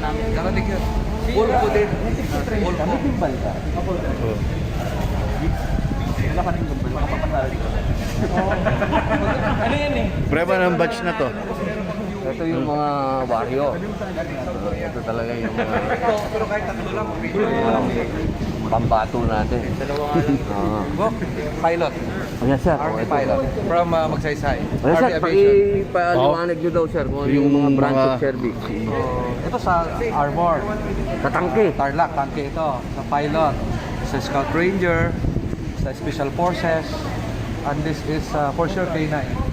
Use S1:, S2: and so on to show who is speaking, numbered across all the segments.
S1: namin.
S2: Nakalig yun. Pulpo din. Pulpo.
S3: May timbal ka.
S4: Oh.
S3: Wala ka rin timbal. Wala ka pa dito.
S1: Ano yan eh?
S4: Prueba ng batch na to.
S3: Ito yung mga baryo. Ito talaga yung mga
S2: Pero kahit tatlo lang.
S3: pambato natin.
S2: Dalawa nga lang.
S3: Oo.
S2: Pilot.
S3: Ayan sir.
S2: Army
S3: Ito.
S2: pilot. From Magsaysay.
S3: Ayan sir,
S2: Army Aviation.
S3: paliwanag nyo daw sir kung ano yung mga branch of service.
S2: Ito sa Armor.
S3: Sa tangke.
S2: Tarlac, tangke ito. Sa pilot. Sa Scout Ranger. Sa Special Forces. And this is for sure K9.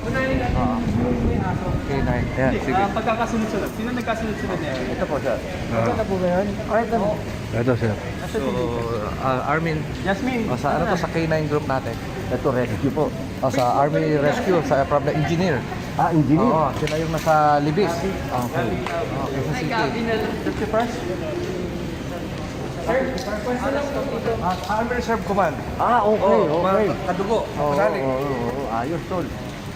S2: K9. Ayan, sige.
S1: Pagkakasunod-sunod. Sino nagkasunod-sunod niya?
S3: Ito po sir.
S1: Ito po ba yun?
S4: Ito sir.
S2: So, Armin.
S1: Jasmine.
S2: O, sa ano to, sa K9 group natin.
S3: Ito rescue po.
S2: O, sa Army Rescue, sa from the engineer.
S3: Ah, engineer.
S2: Oo, sila yung nasa Libis. Okay. Okay, sa city.
S1: That's your first?
S2: Army Reserve Command.
S3: Ah, okay,
S2: Oo,
S3: okay.
S2: mga kadugo.
S3: Oo,
S2: Kasali.
S3: oo, ayos tol.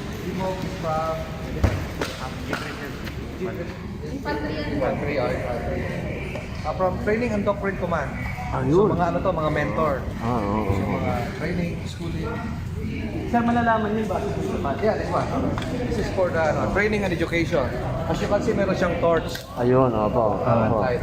S2: Infantry, infantry. From Training and Doctrine Command. So,
S3: Ayun.
S2: mga ano to, mga mentor.
S3: Ah, oo.
S2: So, mga training, schooling.
S1: Sir, malalaman niyo ba?
S2: Yeah, this one. This is for the training and education. As you can see, meron siyang torch.
S3: Ayun, opo. Opo.
S2: Light.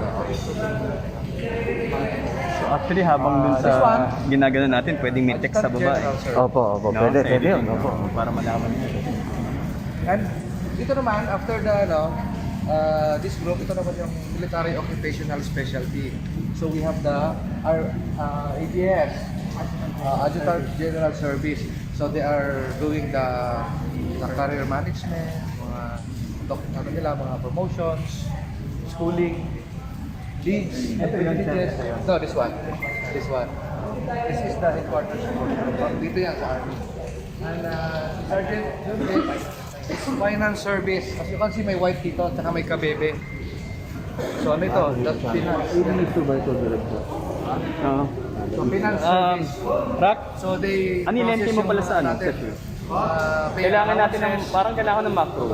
S5: So actually habang dun
S2: This one?
S5: sa ginagano natin, pwedeng may text sa baba eh.
S3: Opo, opo.
S5: No,
S3: Pwede,
S5: sa
S3: pwede yun.
S5: editing,
S3: Opo.
S5: para malaman niyo.
S2: And dito naman, after the, this group, ito naman yung Military Occupational Specialty. So we have the AGS, Adjutant General Service. So they are doing the career management, ano nila, mga promotions, schooling, leads, privileges. No, this one. This one. This is the headquarters for dito yan sa Army. And Sergeant, it's finance service. As you can see, may white dito, tsaka may kabebe. So ano ito? That's finance.
S3: Ito ba ito, Director?
S2: So finance service.
S5: Rock,
S2: So they
S5: ano yung lente mo pala sa ano?
S2: natin.
S5: Kailangan natin ng, parang kailangan ng macro.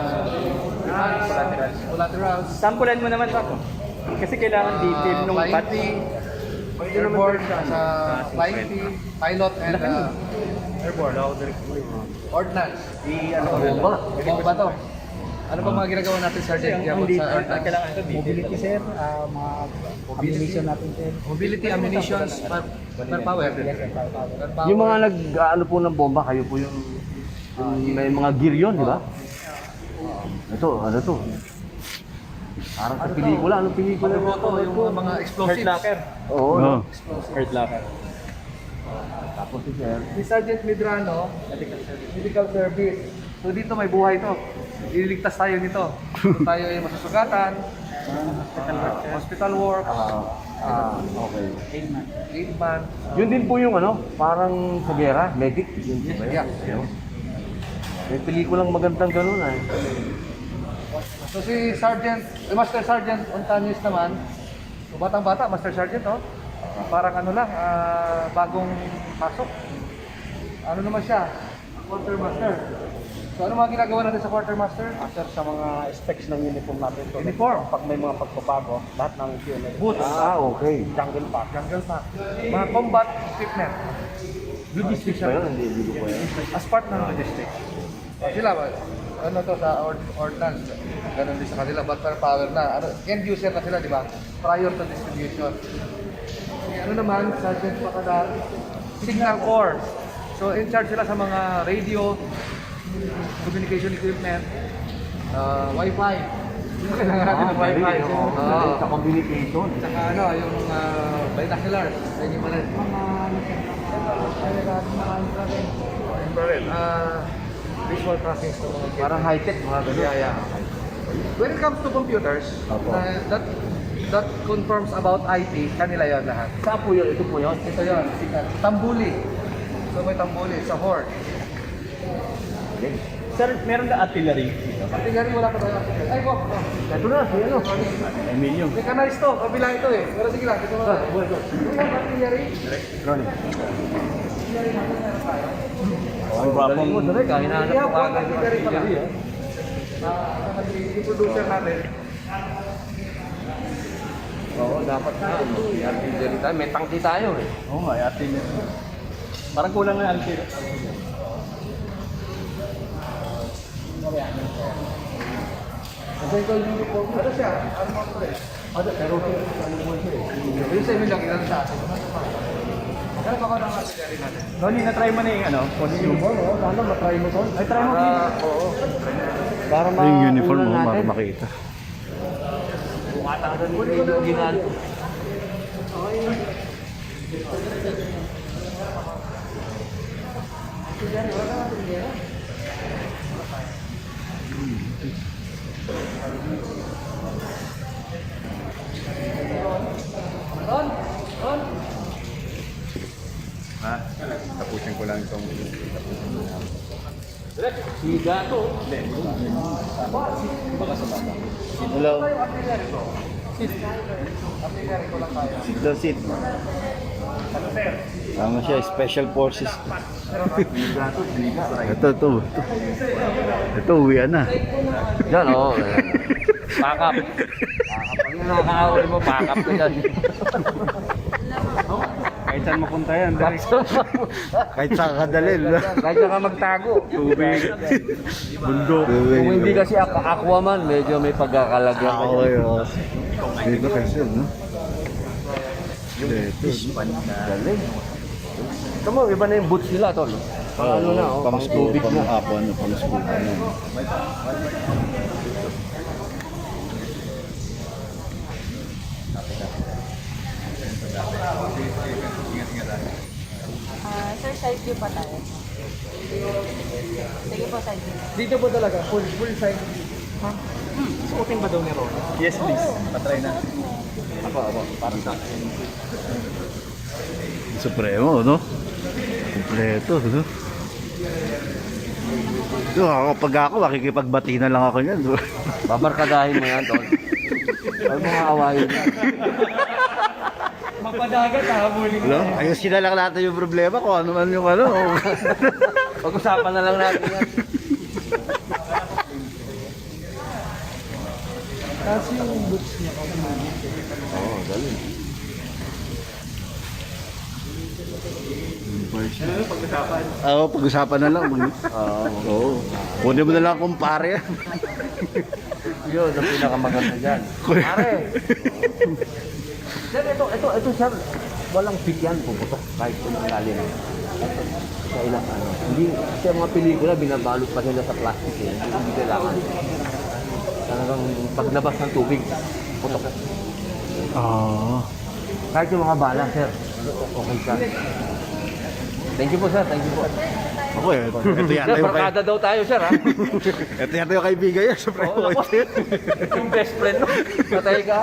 S2: Collaterals.
S5: Sampulan mo naman, Rock. Kasi kailangan detail nung
S2: Flying
S5: batch.
S2: fee, airborne, sa flying fee, pilot and airborne. Ordnance.
S3: Bomba.
S2: Bomba to. Ano pa mga ginagawa natin, Sergeant?
S5: Ang detail,
S2: Sa ordnance?
S5: kailangan ito detail.
S1: Mobility, sir. Mga ammunition natin, sir.
S2: Mobility, ammunitions, per power. Per power.
S3: Yung mga nag-ano po ng bomba, kayo po yung may mga gear yun, di ba? Ito, ano to? Parang sa pelikula, anong pelikula?
S2: Ano to? Yung mga
S5: Hurt
S2: explosives.
S5: locker.
S3: Oo.
S4: No.
S5: Hurt locker.
S3: Tapos si Sir.
S2: Si Sergeant Medrano, medical service. So dito may buhay to. Ililigtas tayo nito. So tayo ay masusugatan, hospital work,
S3: Okay.
S2: 8 man.
S3: Yun din po yung ano, parang sa gera, medic. Yun din ba
S2: Yeah.
S3: yan? May pelikulang magandang ganun ah.
S2: So si Sergeant, Master Sergeant Ontanis naman, so batang-bata, Master Sergeant, oh. Parang ano lang, bagong pasok. Ano naman siya? Quartermaster. So ano mga ginagawa natin sa quartermaster?
S1: Sir, sa mga specs ng uniform natin. So,
S2: Uniform.
S1: Pag may mga pagpapago, lahat ng unit.
S2: Boots.
S3: Okay.
S1: Jungle pack.
S2: Jungle pack. Mga combat equipment.
S3: Logistics ba yun? Hindi ko pa yan.
S2: As part ng logistics. Sila ba? Ano to sa ordnance? Ganun din sa kanila, but per power na. Ano, end user na sila, di ba? Prior to distribution. Ano naman, Sergeant Pacadal, Signal Corps. So in charge sila sa mga radio, communication equipment, Wi-Fi. Kailangan natin ng Wi-Fi.
S3: Sa communication.
S2: Saka ano, yung binoculars. Ayun yung mga infrared. Visual tracking sa mga
S3: Parang high-tech mga ganun.
S2: yeah. When it comes to computers,
S3: Opo.
S2: that confirms about IT, kanila yon lahat.
S3: Saan po yun? Ito po yun?
S2: Ito yon, Tambuli. So may Tambuli sa Horde.
S5: Sir, meron na artillery.
S2: Artillery wala pa tayo. Ay, ko.
S3: Ito na, si ano?
S5: Emilio.
S2: Mechanized to, kabila ito eh. Pero sige lang, ito na. Yung artillery.
S3: Ronnie.
S5: Ang gwapong
S3: Hinahanap
S2: Yeah,
S3: ko
S2: po,
S3: agad yung
S2: artillery pala.
S3: artillery.
S2: Yung producer natin.
S3: Oo, dapat na. Artillery tayo. May tangki tayo eh.
S1: Oo nga, artillery.
S5: Parang kulang na alkir.
S2: Kasi ito yung uniform. Ano siya? Armor ko eh. Ano, pero ano mo siya eh. Yung 7 lang ilan sa atin. Magkano pa ka ng artillery natin?
S5: Ronnie, na-try mo na yung ano, costume.
S2: Oo, lalo matry mo to.
S5: Ay, try mo.
S2: Oo.
S3: Para
S4: Yung uniform mo, para makita.
S3: Kumatakan mo yung ginalo.
S1: Tapusin ko lang itong...
S3: Siga to.
S4: Hello. Sit daw, sit. Ano siya, special forces. Ito. Ito, uwian na.
S3: Yan, oo. Pakap. Pag nakakaawin mo, pakap ka dyan.
S5: Kahit saan mapunta yan.
S4: Kahit saan ka dalhin.
S3: Kahit saan ka magtago.
S5: Tubig.
S4: Bundok.
S3: Kung hindi kasi Aquaman, medyo may pagkakalagyan ka
S4: Ako
S3: dyan.
S4: yun. Dito kasi, no? Dito.
S3: Galing. Ito mo, iba na yung boots nila, tol. Pang ano na, oh, pang tubig na.
S4: Pang scuba na.
S6: Sir, side view pa tayo. Sige po, side view.
S2: Dito po talaga, full size.
S5: Suotin ba daw ni Ronnie? Yes, please. Patry na.
S3: Ako, parang sa akin.
S4: Supremo, no? Kompleto, no? Ito, pag ako, makikipagbati na lang ako yan.
S3: Babarkadahin mo yan, tol. Huwag mo nga awayin yan.
S5: Magpadagat ha, muling.
S4: Hello? Ayusin na lang natin yung problema kung ano man yung ano.
S3: Pag-usapan na lang natin yan.
S2: Kasi yung boots niya
S3: Oo, galing.
S4: Oo, pag-usapan na lang. Oo. Kunin mo na lang kumpare.
S3: Yun, ang pinakamaganda dyan. Pare! Sir, ito, sir. Walang fit yan, puputok. Kahit tumakali na. Sa ilang ano. Hindi, sa mga pelikula, binabalot pa nila sa plastic eh. Hindi kailangan. Talagang paglabas ng tubig, putok.
S4: Oo.
S3: Kahit yung mga bala, sir. Okay, sir. Thank you po, sir. Thank you po.
S4: Ako eh. Ito
S3: Sir,
S4: yata yung
S3: barkada daw tayo, sir, ha?
S4: ito yata yung kaibigan niya. Supremo.
S3: Yung best friend, no? Patay ka.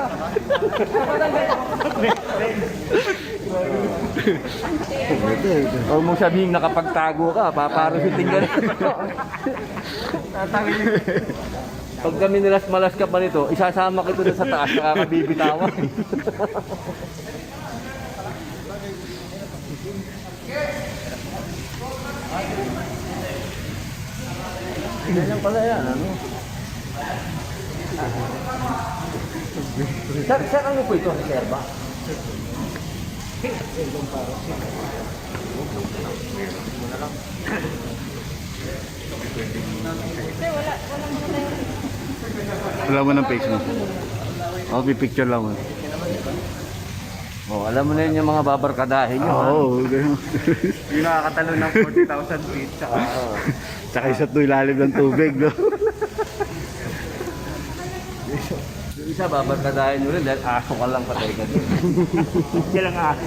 S3: Huwag mong sabihin nakapagtago ka, paparusitin ka na. Pag kami nilas-malas ka pa nito, isasama kita na sa taas, nakakabibitawan. Ganyan pala yan, ano? Sir, ano po ito? Reserva?
S4: Wala mo ng face mo. Ako, pipicture lang mo.
S3: Oh, alam mo na yun yung mga babarkadahin nyo, ha?
S4: Oo.
S5: Yung nakakatalo ng 40,000 feet. Tsaka,
S4: Tsaka isa to ilalim ng tubig, no?
S3: Yung isa, babarkadahin nyo rin dahil aso ka lang patay ka din.
S5: hindi lang aso.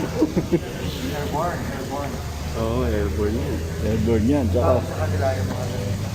S4: Oo, airborne yan. Airborne yan. Tsaka,
S2: sa kanila yung mga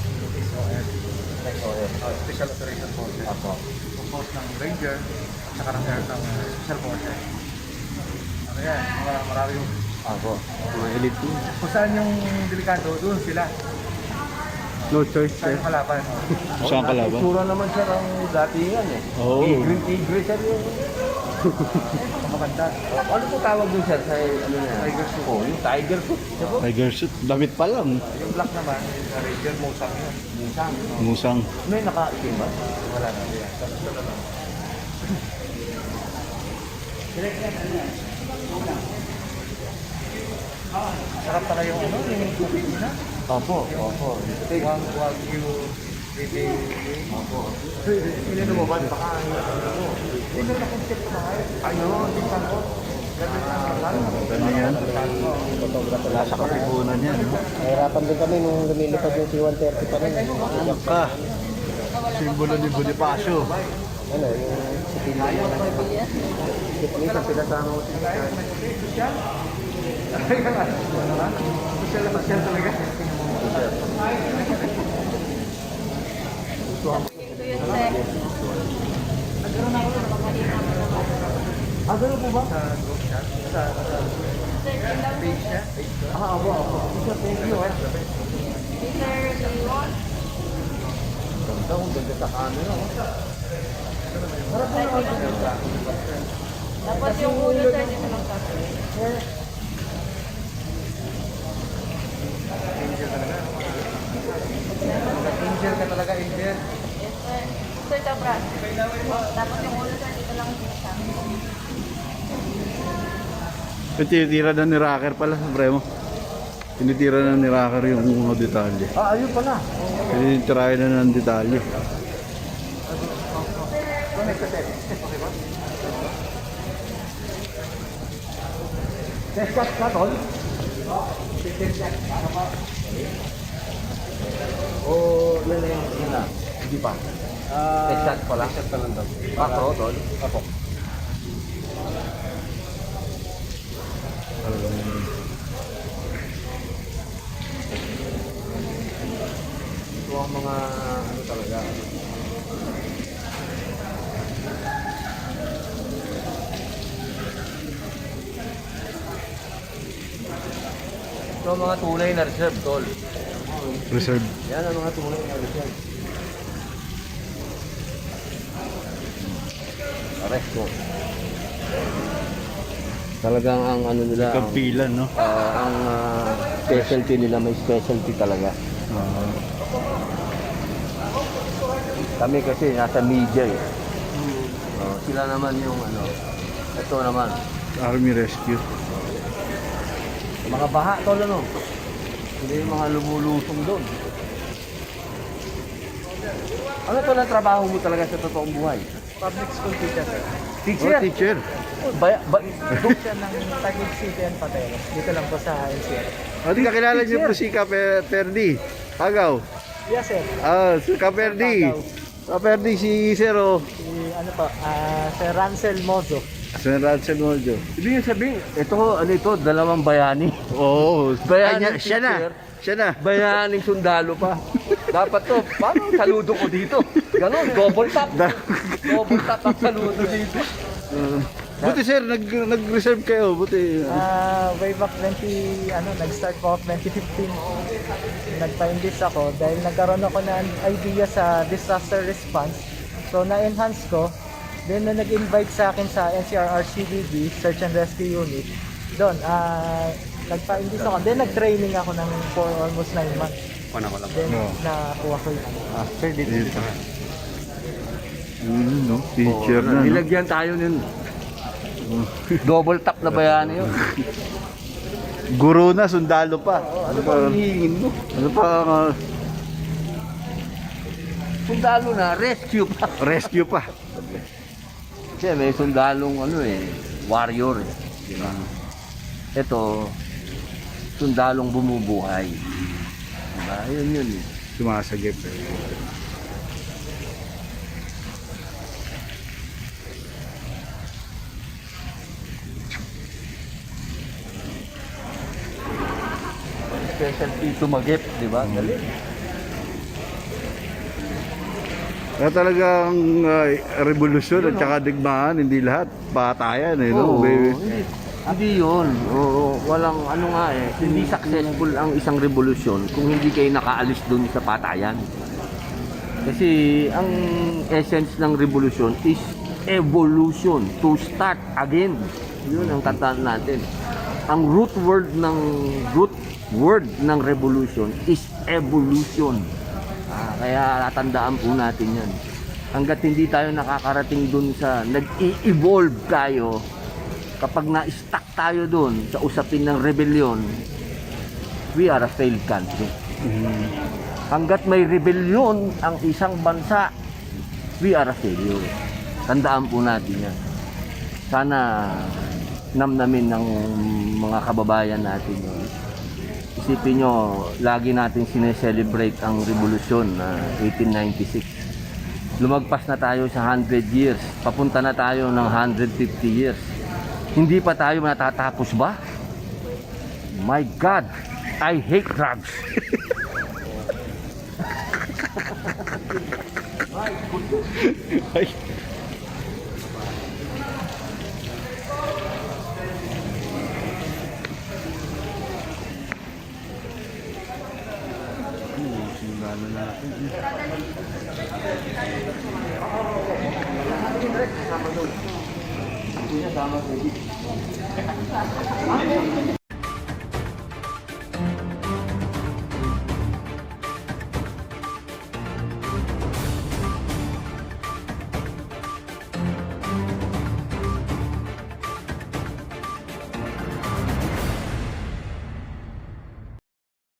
S2: Special Operation Forces. Composed ng Ranger at saka ng Special Forces. Ano yan, marami yung...
S3: Ako, mga elite team.
S2: Kung saan yung delikado, doon sila.
S4: no choice,
S2: Saan yung kalaban.
S4: Saan ka laban?
S3: Sura naman siya ng datingan eh.
S4: Oo.
S3: Tigre sir yung...
S2: Maganda.
S3: Ano po tawag dun sir sa ano niya?
S2: Tiger suit.
S3: Oh, yung tiger suit. Siya po?
S4: Tiger suit. Damit pa lang.
S2: Yung black naman, yung Ranger Musang yun.
S3: Minsan.
S4: Musang.
S3: May nakaitim ba?
S2: Wala na yan. Tapos ito na lang. Sarap talaga yung ano, yung cookies na.
S3: Opo.
S2: Wagyu retail.
S3: Opo. Pinino mo ba? Baka
S2: Ito na concept na kayo.
S3: ayun, tingnan ko.
S4: Ganda yan. Wala sa katipunan yan.
S1: Nahirapan din kami nung lumilipad yung C-130 pa rin.
S4: Ano ka? Simbolo ni Bonifacio.
S1: Ano, yung civilian. Civilian, pinasama ko siya.
S2: Social na social talaga.
S6: Ito yun, sir.
S2: Ah, ganun po ba? Sa group chat? Sa page niya? Ah, abo. Isa, thank you.
S6: Mr. Leon.
S3: Ganda, ang ganda sa camera.
S6: Tapos yung ulo, sir, dito lang sa
S2: Angel ka talaga, Angel.
S6: Yes, sir. Sir, tapos. Tapos yung ulo, sir, dito lang sa
S4: Tinitira na ni Rocker pala, Supremo. Tinitira na ni Rocker yung mga detalye.
S2: Ah, ayun pala.
S4: Tinitirahin na ng detalye.
S2: Test shot ka, tol?
S3: O, yan na yung sina. Hindi pa. Shot pala. Shot pa lang daw. Macro, tol. Apo. Ito ang mga ano talaga. Ito ang mga tunay na reserve, tol.
S4: Reserve.
S3: Yan ang mga tunay na reserve. Aresto. Talagang ang ano nila,
S4: Kampilan, no?
S3: ang specialty nila, may specialty talaga. Kami kasi nasa media eh. Sila naman yung ano, ito naman,
S4: Army Rescue.
S3: mga baha tol ano. Hindi yung mga lumulusong doon. Ano to na trabaho mo talaga sa totoong buhay?
S2: Public school teacher, sir.
S3: Teacher?
S4: Oh, teacher.
S2: Group siya ng Taguig City and Patero. Dito lang po sa NCR.
S4: Di kakilala niyo po si Kaperdi. Agaw.
S2: Yes, sir.
S4: Si Kaperdi. Kaperdi si Zero.
S2: Si, ano po, Sir Rancel Mozo.
S4: San Rancel Moljo.
S3: Ibig sabihin, ito, ano ito, dalawang bayani.
S4: Oo.
S3: Bayaning
S4: Siya na.
S3: teacher.
S4: Siya na.
S3: Bayaning sundalo pa. Dapat to, paano saludo ko dito? Ganon, double tap. Double tap ang saludo dito.
S4: Buti sir, nag-reserve kayo. Buti.
S2: Way back nag-start po ako 2015. Nagpa-enlist ako dahil nagkaroon ako ng idea sa disaster response. So na-enhance ko. Then na nag-invite sa akin sa NCR RCDB, Search and Rescue Unit. Doon, nagpa-enlist ako. Then nag-training ako ng for almost 9 months. Then nakuha ko yun.
S1: Sir, dito.
S4: No? Teacher na. No?
S3: Nilagyan tayo nun. Double tap na bayani yun.
S4: Guro na, sundalo pa.
S3: Ano pa ang hihingin mo?
S4: Ano pa?
S3: Sundalo na, rescue pa.
S4: Rescue pa.
S3: Kasi may sundalong warrior eh. Diba? Ito, sundalong bumubuhay. Diba? Yun eh.
S4: Sumasagip.
S3: Specialty tumagip, di ba? Galing.
S4: Kaya talagang revolusyon at saka digmaan, hindi lahat patayan eh, no?
S3: Oo,
S4: Baby.
S3: hindi yun. Oo, walang ano nga eh. Hindi successful ang isang revolusyon kung hindi kayo nakaalis dun sa patayan. Kasi ang essence ng revolusyon is evolution, to start again. Yun ang tandaan natin. Ang root word ng revolution is evolution. Kaya tatandaan po natin yan. Hanggat hindi tayo nakakarating dun sa nag-i-evolve tayo, kapag na-stuck tayo doon sa usapin ng rebellion, we are a failed country. Hanggat may rebellion ang isang bansa, we are a failure. Tandaan po natin yan. Sana namnamin ng mga kababayan natin yun. Isipin nyo, lagi natin sineselebrate ang revolusyon na 1896. Lumagpas na tayo sa 100 years. Papunta na tayo ng 150 years. Hindi pa tayo natatapos ba? My God, I hate drugs.
S2: Sama doon.